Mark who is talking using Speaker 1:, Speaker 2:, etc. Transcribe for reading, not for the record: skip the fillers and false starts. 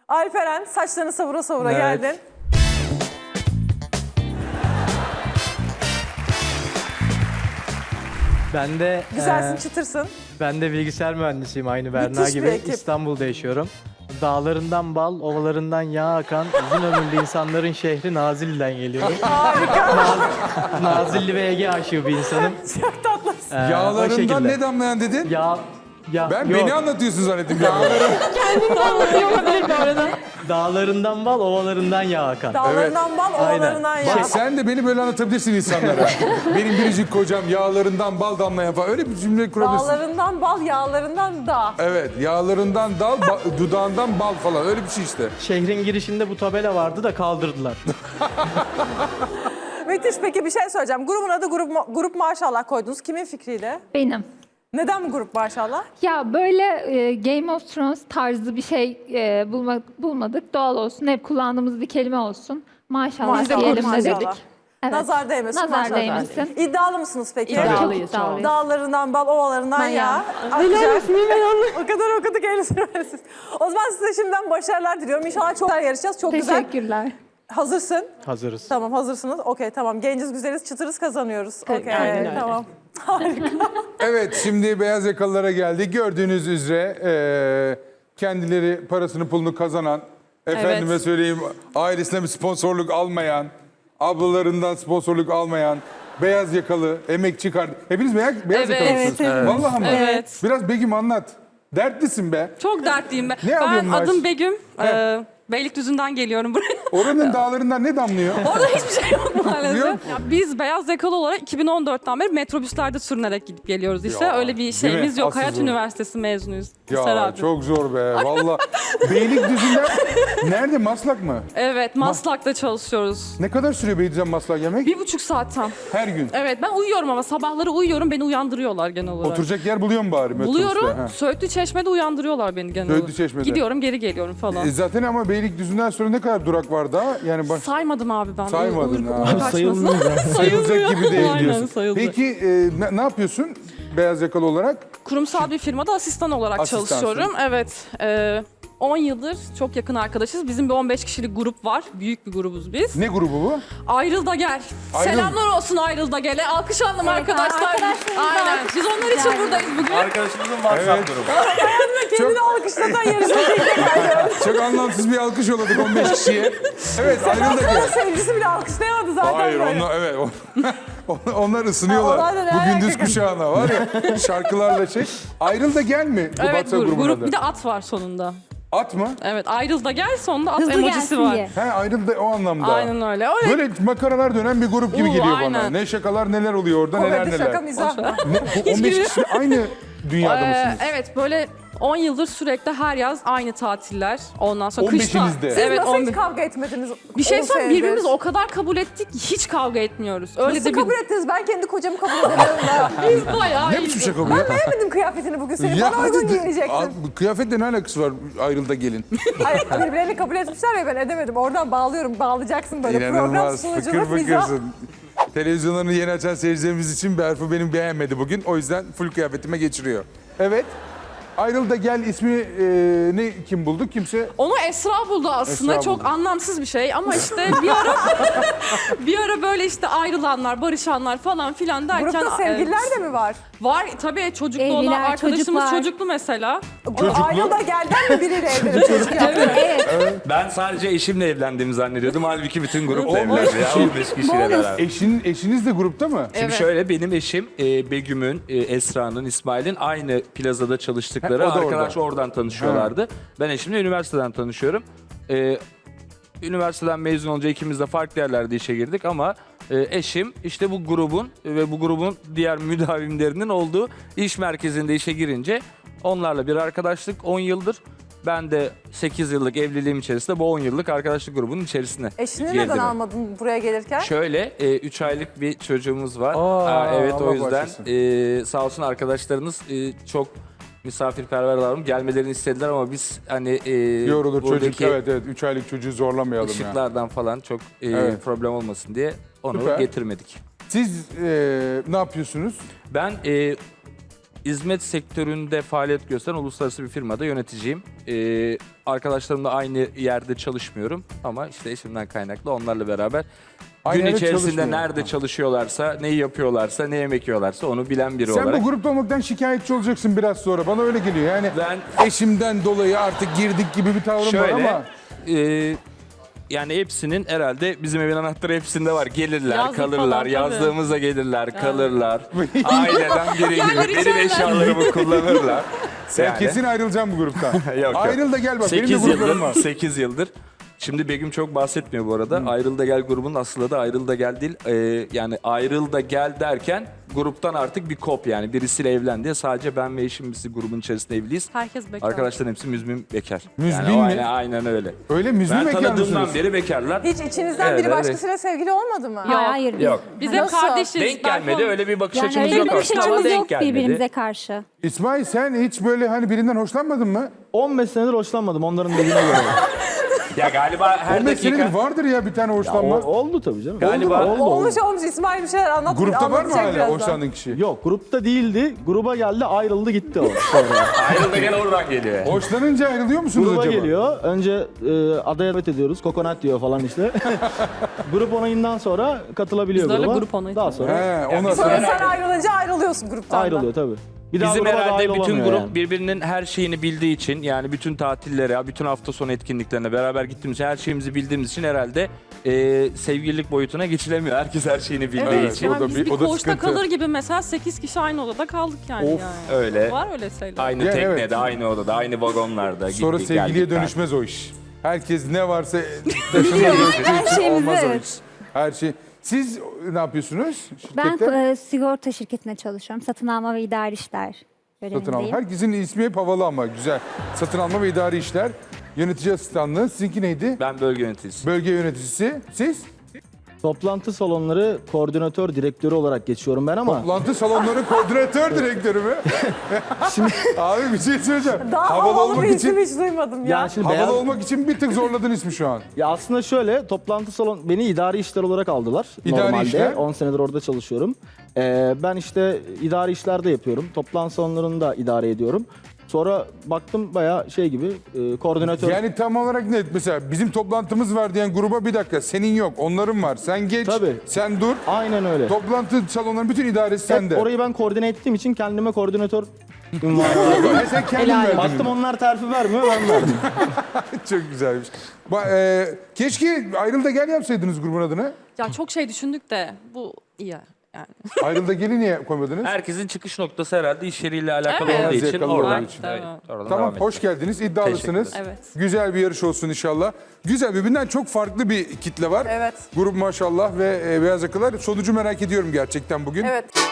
Speaker 1: Alperen saçlarını savura savura
Speaker 2: Evet.
Speaker 1: geldin.
Speaker 2: Ben de
Speaker 1: Güzelsin, çıtırsın.
Speaker 2: ben de bilgisayar mühendisiyim aynı Berna
Speaker 1: Müthiş bir
Speaker 2: gibi.
Speaker 1: ekip.
Speaker 2: İstanbul'da yaşıyorum. Dağlarından bal, ovalarından yağ akan uzun ömürlü insanların şehri Nazilli'den geliyorum. Nazilli ve Ege aşığı bir insanım.
Speaker 1: Çok tatlısın.
Speaker 2: O
Speaker 3: Yağlarından
Speaker 2: şekilde.
Speaker 3: ne damlayan dedin?
Speaker 2: Ya,
Speaker 3: Ben
Speaker 2: yok.
Speaker 3: beni anlatıyorsun zannettim.
Speaker 2: Dağlarından bal, ovalarından yağ akan.
Speaker 1: Dağlarından bal,
Speaker 2: Aynen.
Speaker 1: ovalarından yağ.
Speaker 3: Bak sen de beni böyle anlatabilirsin insanlara. Benim biricik kocam yağlarından bal damlayan falan. Öyle bir cümle kurabilirsin.
Speaker 1: Dağlarından bal, yağlarından dağ.
Speaker 3: Evet, yağlarından dal, dudağından bal falan. Öyle bir şey işte.
Speaker 2: Şehrin girişinde bu tabela vardı da kaldırdılar.
Speaker 1: Müthiş. Peki bir şey söyleyeceğim. Grubun adı Grup Maşallah koydunuz. Kimin fikriyle?
Speaker 4: Benim.
Speaker 1: Neden bu Grup Maşallah?
Speaker 4: Ya böyle Game of Thrones tarzı bir şey bulmadık. Doğal olsun. Hep kullandığımız bir kelime olsun. Maşallah
Speaker 1: Biz de
Speaker 4: diyelim
Speaker 1: Grup
Speaker 4: dedik.
Speaker 1: Maşallah.
Speaker 4: Evet.
Speaker 1: Nazar değmesin.
Speaker 4: Nazar
Speaker 1: maşallah.
Speaker 4: değmesin.
Speaker 1: İddialı mısınız peki?
Speaker 4: İddialıyız. Çok.
Speaker 1: Dağlarından bal, ovalarından
Speaker 4: Ben
Speaker 1: yağ.
Speaker 4: yağ.
Speaker 1: Akacak. O kadar okuduk siz. O zaman size şimdiden başarılar diliyorum. İnşallah çok güzel yarışacağız. Çok güzel.
Speaker 4: Teşekkürler.
Speaker 1: Hazırsın.
Speaker 2: Hazırız.
Speaker 1: Tamam, hazırsınız. Okey, tamam. Genciz, güzeliz, çıtırız, kazanıyoruz. Okey, tamam.
Speaker 3: Evet, şimdi beyaz yakalılara geldik. Gördüğünüz üzere kendileri parasını pulunu kazanan, efendime söyleyeyim ailesine bir sponsorluk almayan, ablalarından sponsorluk almayan, beyaz yakalı, emekçi kardeş. Hepiniz beyaz yakalısınız.
Speaker 1: evet.
Speaker 3: Vallahi mı?
Speaker 5: Evet.
Speaker 3: Biraz Begüm anlat. Dertlisin be.
Speaker 5: Çok dertliyim ben.
Speaker 3: Ne yapıyorsun
Speaker 5: Ben adım
Speaker 3: Ayşe?
Speaker 5: Begüm. Beylikdüzü'nden geliyorum buraya.
Speaker 3: Oranın dağlarından ne damlıyor?
Speaker 5: Orada hiçbir şey yok maalesef.
Speaker 3: Yok.
Speaker 5: Ya biz beyaz yakalı olarak 2014'ten beri metrobüslerde sürünerek gidip geliyoruz işte.
Speaker 3: Ya,
Speaker 5: Öyle bir
Speaker 3: değil
Speaker 5: şeyimiz
Speaker 3: mi?
Speaker 5: yok.
Speaker 3: Asıl
Speaker 5: Hayat
Speaker 3: zor.
Speaker 5: Üniversitesi mezunuyuz. Hisar
Speaker 3: Ya
Speaker 5: abi.
Speaker 3: çok zor be. Vallahi Beylikdüzü'nden nerede? Maslak mı?
Speaker 5: Evet, Maslak'ta çalışıyoruz.
Speaker 3: Ne kadar sürüyor Beylikdüzü'nden Maslak yemek?
Speaker 5: 1,5 saat tam.
Speaker 3: Her gün.
Speaker 5: Evet, ben uyuyorum ama sabahları uyuyorum, beni uyandırıyorlar genel olarak.
Speaker 3: Oturacak yer buluyor mu bari metrobüste?
Speaker 5: Buluyorum,
Speaker 3: Ha.
Speaker 5: Söğütlü Çeşme'de uyandırıyorlar beni genel olarak.
Speaker 3: Söğütlü Çeşme'de.
Speaker 5: Gidiyorum, geri geliyorum falan.
Speaker 3: Zaten ama Beylikdüzü'nden sonra ne kadar durak var daha? Yani
Speaker 5: Saymadım abi ben.
Speaker 3: Saymadın
Speaker 5: Uyku
Speaker 3: ha.
Speaker 5: kaçmasın.
Speaker 3: sayılacak gibi değil
Speaker 5: Aynen,
Speaker 3: diyorsun.
Speaker 5: sayılacak.
Speaker 3: Peki ne yapıyorsun beyaz yakalı olarak?
Speaker 5: Kurumsal bir firmada asistan olarak
Speaker 3: Asistansın.
Speaker 5: çalışıyorum. Evet. 10 yıldır çok yakın arkadaşız. Bizim bir 15 kişilik grup var. Büyük bir grubuz biz.
Speaker 3: Ne grubu bu?
Speaker 5: Ayrıl da gel.
Speaker 3: Ayrıl.
Speaker 5: Selamlar olsun Ayrıl da gel'e. Alkışlayalım arkadaşlar. Aynen. Biz onlar için buradayız bugün.
Speaker 6: Arkadaşımızın WhatsApp grubu.
Speaker 1: Kendini alkışlatan yarışmacı.
Speaker 3: Çok anlamsız bir alkış yolladık 15 kişiye. Evet ayrıl da gel.
Speaker 1: Sevgilisi bile alkışlayamadı zaten.
Speaker 3: Hayır
Speaker 1: böyle.
Speaker 3: onlar evet. Onlar ısınıyorlar.
Speaker 1: Ha, onlar da ne
Speaker 3: Bu
Speaker 1: alaka?
Speaker 3: gündüz kuşağına var ya şarkılarla şey. Ayrıl da gel mi? Bu
Speaker 5: Evet,
Speaker 3: WhatsApp grubunun
Speaker 5: grup
Speaker 3: adı.
Speaker 5: bir de at var sonunda.
Speaker 3: At mı?
Speaker 5: Evet, Ayrıl da gel sonunda at
Speaker 4: Hızlı
Speaker 5: emojisi
Speaker 4: gelsin
Speaker 5: var.
Speaker 4: diye.
Speaker 3: He ayrıl da o anlamda.
Speaker 5: Aynen öyle. Öyle.
Speaker 3: Böyle makaralar dönen bir grup gibi geliyor bana.
Speaker 5: aynen.
Speaker 3: Ne şakalar neler oluyor orada neler
Speaker 1: Komedi,
Speaker 3: neler.
Speaker 1: şaka, mizah.
Speaker 3: Bu 15 kişi aynı dünyada mısınız?
Speaker 5: Evet, böyle 10 yıldır sürekli her yaz aynı tatiller. Ondan sonra
Speaker 3: 15'inizde.
Speaker 5: kışta.
Speaker 3: Siz
Speaker 5: Evet,
Speaker 1: Nasıl
Speaker 5: 11.
Speaker 1: hiç kavga etmediniz?
Speaker 5: Bir şey
Speaker 1: 10
Speaker 5: söyleyeyim,
Speaker 1: senedir?
Speaker 5: birbirimizi o kadar kabul ettik ki hiç kavga etmiyoruz. Öyle
Speaker 1: Nasıl
Speaker 5: de bir...
Speaker 1: kabul ettiniz? Ben kendi kocamı kabul edemiyorum da.
Speaker 5: Biz bayağı
Speaker 3: Ne
Speaker 5: iyiyiz.
Speaker 3: biçim şaka bu ya?
Speaker 1: Beğenmedim kıyafetini bugün. Seni bana uygun
Speaker 3: hadi
Speaker 1: giyinecektin.
Speaker 3: bu kıyafetle ne alakası var ayrıl da gelin?
Speaker 1: Hayır, birbirlerini kabul etmişler ya, ben edemedim. Oradan bağlıyorum. Bağlayacaksın böyle. Program
Speaker 3: İnanılmaz
Speaker 1: sunuculuk,
Speaker 3: fıkır
Speaker 1: mizah.
Speaker 3: fıkırsın. Televizyonlarını yeni açan seyircilerimiz için Berfu benim beğenmedi bugün. O yüzden full kıyafetime geçiriyor. Evet. Ayrıl da gel ismini kim buldu? Kimse
Speaker 5: Onu Esra buldu aslında.
Speaker 3: Esra
Speaker 5: Çok
Speaker 3: buldu.
Speaker 5: anlamsız bir şey ama işte bir ara böyle işte ayrılanlar, barışanlar falan filan derken
Speaker 1: Grupta sevgililer de mi var?
Speaker 5: var tabii, çocuklu olan
Speaker 4: Evliler,
Speaker 5: arkadaşımız
Speaker 4: çocuklar.
Speaker 5: çocuklu mesela.
Speaker 1: Ayrıl da gelden mi biriyle evlenip çocuk yaptı?
Speaker 6: Ben sadece eşimle evlendiğimi zannediyordum. Halbuki bütün grup
Speaker 3: 15
Speaker 6: evlendi ya.
Speaker 3: kişi.
Speaker 6: 15 kişiyle beraber.
Speaker 3: eşiniz de grupta mı?
Speaker 6: Şimdi
Speaker 5: Evet.
Speaker 6: şöyle, benim eşim Begüm'ün, Esra'nın, İsmail'in aynı plazada çalıştıkları
Speaker 3: Ha, o da
Speaker 6: arkadaş
Speaker 3: orada.
Speaker 6: oradan tanışıyorlardı. Ben eşimle üniversiteden tanışıyorum. Üniversiteden mezun olunca ikimiz de farklı yerlerde işe girdik ama eşim işte bu grubun ve bu grubun diğer müdavimlerinin olduğu iş merkezinde işe girince onlarla bir arkadaşlık 10 yıldır. Ben de 8 yıllık evliliğim içerisinde bu 10 yıllık arkadaşlık grubunun içerisine
Speaker 1: Eşini
Speaker 6: girdim.
Speaker 1: neden almadın buraya gelirken?
Speaker 6: Şöyle 3 aylık bir çocuğumuz var. Evet,
Speaker 3: Allah
Speaker 6: o yüzden
Speaker 3: bağışlasın.
Speaker 6: sağ olsun arkadaşlarınız çok misafirperver davranıp gelmelerini istediler ama biz hani
Speaker 3: Yorulur çocuk.
Speaker 6: buradaki
Speaker 3: Evet 3 aylık çocuğu zorlamayalım ya.
Speaker 6: ışıklardan falan çok
Speaker 3: Evet.
Speaker 6: problem olmasın diye onu
Speaker 3: Süper.
Speaker 6: getirmedik.
Speaker 3: Siz ne yapıyorsunuz?
Speaker 6: Ben hizmet sektöründe faaliyet gösteren uluslararası bir firmada yöneticiyim. Arkadaşlarımla aynı yerde çalışmıyorum ama işte eşimden kaynaklı onlarla beraber
Speaker 3: Aynı
Speaker 6: gün
Speaker 3: yerde
Speaker 6: içerisinde
Speaker 3: çalışmıyor.
Speaker 6: nerede çalışıyorlarsa, neyi yapıyorlarsa, ne yemek yiyorlarsa onu bilen biri
Speaker 3: Sen
Speaker 6: olarak.
Speaker 3: bu grupta olmaktan şikayetçi olacaksın biraz sonra. Bana öyle geliyor. Yani eşimden dolayı artık girdik gibi bir tavrım var
Speaker 6: Şöyle,
Speaker 3: ama.
Speaker 6: Yani hepsinin herhalde bizim evin anahtarı hepsinde var. Gelirler,
Speaker 5: Yazlık
Speaker 6: kalırlar,
Speaker 5: falan, tabii.
Speaker 6: yazdığımızda gelirler, kalırlar. Aileden biri gibi
Speaker 5: Yerleri
Speaker 6: benim
Speaker 5: içerler.
Speaker 6: eşyalarımı kullanırlar.
Speaker 3: Sen kesin ayrılacaksın bu gruptan.
Speaker 6: Yok.
Speaker 3: Ayrıl da gel bak. Benim de
Speaker 6: 8
Speaker 3: gruplarım var.
Speaker 6: yıldır, 8 yıldır. Şimdi Begüm çok bahsetmiyor bu arada. Ayrıl da Gel grubunun aslı adı Ayrıl da Gel değil. Yani Ayrıl da Gel derken gruptan artık bir kop yani. Birisiyle evlendi. Sadece ben ve eşim biz grubun içerisinde evliyiz.
Speaker 5: Herkes bekar.
Speaker 6: Arkadaşların hepsi müzmin bekar.
Speaker 3: Müzmin
Speaker 6: yani
Speaker 3: mi?
Speaker 6: Aynen öyle.
Speaker 3: Öyle müzmin
Speaker 6: Ben
Speaker 3: bekar
Speaker 6: tanıdığımdan
Speaker 3: mısınız?
Speaker 6: beri bekarlar.
Speaker 1: Hiç içinizden
Speaker 6: Evet,
Speaker 1: biri
Speaker 6: evet.
Speaker 1: başkasıyla sevgili olmadı mı?
Speaker 7: Hayır.
Speaker 6: Yok.
Speaker 5: Biz hep
Speaker 1: Nasıl?
Speaker 5: kardeşiz.
Speaker 6: Denk gelmedi. Öyle bir bakış
Speaker 7: Yani
Speaker 6: açımız
Speaker 7: öyle
Speaker 6: yok
Speaker 7: bir bakış
Speaker 6: aslında ama
Speaker 7: açımız
Speaker 6: denk
Speaker 7: yok
Speaker 6: gelmedi.
Speaker 7: birbirimize karşı.
Speaker 3: İsmail sen hiç böyle hani birinden hoşlanmadın mı?
Speaker 2: 15 senedir hoşlanmadım onların dediğine göre.
Speaker 6: Ya galiba her
Speaker 3: 15 senedir
Speaker 6: dakika...
Speaker 3: vardır ya bir tane hoşlanma.
Speaker 2: Oldu tabii canım.
Speaker 6: Galiba-
Speaker 2: oldu.
Speaker 1: Olmuş İsmail bir şeyler anlat.
Speaker 3: Grupta var mı
Speaker 1: anlatacak
Speaker 3: hala
Speaker 1: birazdan.
Speaker 3: hoşlandığın kişi?
Speaker 2: Yok grupta değildi. Gruba geldi ayrıldı gitti o sonra.
Speaker 6: Ayrıl da Gel oradan geliyor.
Speaker 3: Hoşlanınca ayrılıyor musunuz
Speaker 2: Gruba
Speaker 3: acaba?
Speaker 2: geliyor. Önce adaya davet ediyoruz. Kokonat diyor falan işte. Grup onayından sonra katılabiliyor
Speaker 5: Biz de öyle
Speaker 2: gruba.
Speaker 5: grup onayı
Speaker 2: Daha sonra
Speaker 3: He, ondan
Speaker 1: Sonra
Speaker 3: sonra.
Speaker 1: sen ayrılınca ayrılıyorsun gruptan da.
Speaker 2: ayrılıyor tabii. Bir daha
Speaker 6: Bizim
Speaker 2: gruba
Speaker 6: herhalde
Speaker 2: dahil
Speaker 6: bütün
Speaker 2: olamıyor
Speaker 6: grup
Speaker 2: yani.
Speaker 6: birbirinin her şeyini bildiği için yani bütün tatillere, bütün hafta sonu etkinliklerine beraber gittiğimiz için her şeyimizi bildiğimiz için herhalde sevgililik boyutuna geçilemiyor. Herkes her şeyini bildiği
Speaker 3: Evet,
Speaker 6: için.
Speaker 3: o
Speaker 5: Yani
Speaker 3: da
Speaker 5: biz
Speaker 3: bir-
Speaker 5: bir
Speaker 3: o da
Speaker 5: koğuşta
Speaker 3: sıkıntı.
Speaker 5: kalır gibi mesela 8 kişi aynı odada kaldık yani.
Speaker 3: Of,
Speaker 5: yani.
Speaker 6: öyle.
Speaker 5: Var öyle şeyler.
Speaker 6: Aynı
Speaker 3: Ya,
Speaker 6: teknede,
Speaker 3: evet.
Speaker 6: aynı odada, aynı vagonlarda
Speaker 3: Sonra
Speaker 6: gittik,
Speaker 3: sevgiliye
Speaker 6: geldik,
Speaker 3: dönüşmez o iş. Herkes ne varsa taşınır.
Speaker 7: Her şeyimizi,
Speaker 3: Olmaz o
Speaker 7: evet.
Speaker 3: iş. Her şey. Siz ne yapıyorsunuz
Speaker 7: Ben
Speaker 3: şirkette?
Speaker 7: sigorta şirketinde çalışıyorum. Satın alma ve idari işler
Speaker 3: Satın alma.
Speaker 7: görevindeyim.
Speaker 3: Herkesin ismi hep havalı ama güzel. Satın alma ve idari işler. Yönetici asistanlığı. Sizinki neydi?
Speaker 6: Ben bölge yöneticisi.
Speaker 3: Bölge yöneticisi. Siz?
Speaker 2: Toplantı salonları koordinatör direktörü olarak geçiyorum ben ama
Speaker 3: Toplantı salonları koordinatör direktörü mü? Abi bir şey söyleyeceğim.
Speaker 1: Daha
Speaker 3: Havalı
Speaker 1: havalı
Speaker 3: olmak
Speaker 1: bir isim
Speaker 3: için
Speaker 1: hiç duymadım ya.
Speaker 2: yani şimdi
Speaker 3: havalı
Speaker 2: beyaz,
Speaker 3: olmak için bir tık zorladın ismi şu an.
Speaker 2: ya aslında şöyle toplantı salon beni idari işler olarak aldılar.
Speaker 3: İdari
Speaker 2: Normalde
Speaker 3: işler?
Speaker 2: 10 senedir orada çalışıyorum. Ben işte idari işlerde yapıyorum. Toplantı salonlarını da idare ediyorum. Sonra baktım bayağı şey gibi koordinatör.
Speaker 3: Yani tam olarak ne? Mesela bizim toplantımız var diyen gruba bir dakika senin yok onların var. Sen geç,
Speaker 2: Tabii.
Speaker 3: sen dur.
Speaker 2: Aynen öyle.
Speaker 3: Toplantı salonlarının bütün idaresi
Speaker 2: Hep
Speaker 3: sende.
Speaker 2: orayı ben koordine ettiğim için kendime koordinatör ünvanı verdim.
Speaker 3: Ve sen kendin verdin.
Speaker 2: Baktım onlar terfi vermiyor ben verdim.
Speaker 3: Çok güzelmiş. Keşke Ayrıl da Gel yapsaydınız grubun adını.
Speaker 5: Ya çok şey düşündük de bu iyi yani.
Speaker 3: Ayrıl da Gel'i niye koymadınız?
Speaker 6: Herkesin çıkış noktası herhalde iş yeriyle alakalı
Speaker 5: Evet.
Speaker 6: olduğu
Speaker 3: Biraz
Speaker 6: için
Speaker 3: yakalı
Speaker 6: oradan,
Speaker 3: olduğu için.
Speaker 6: evet,
Speaker 5: Evet.
Speaker 6: oradan
Speaker 3: Tamam,
Speaker 6: devam
Speaker 3: hoş
Speaker 6: edeceğiz.
Speaker 3: geldiniz. İddialısınız.
Speaker 5: Teşekkür ederim.
Speaker 3: Güzel bir yarış olsun inşallah. Güzel, birbirinden çok farklı bir kitle var.
Speaker 1: Evet.
Speaker 3: Grup maşallah ve beyaz yakalar. Sonucu merak ediyorum gerçekten bugün.
Speaker 1: Evet.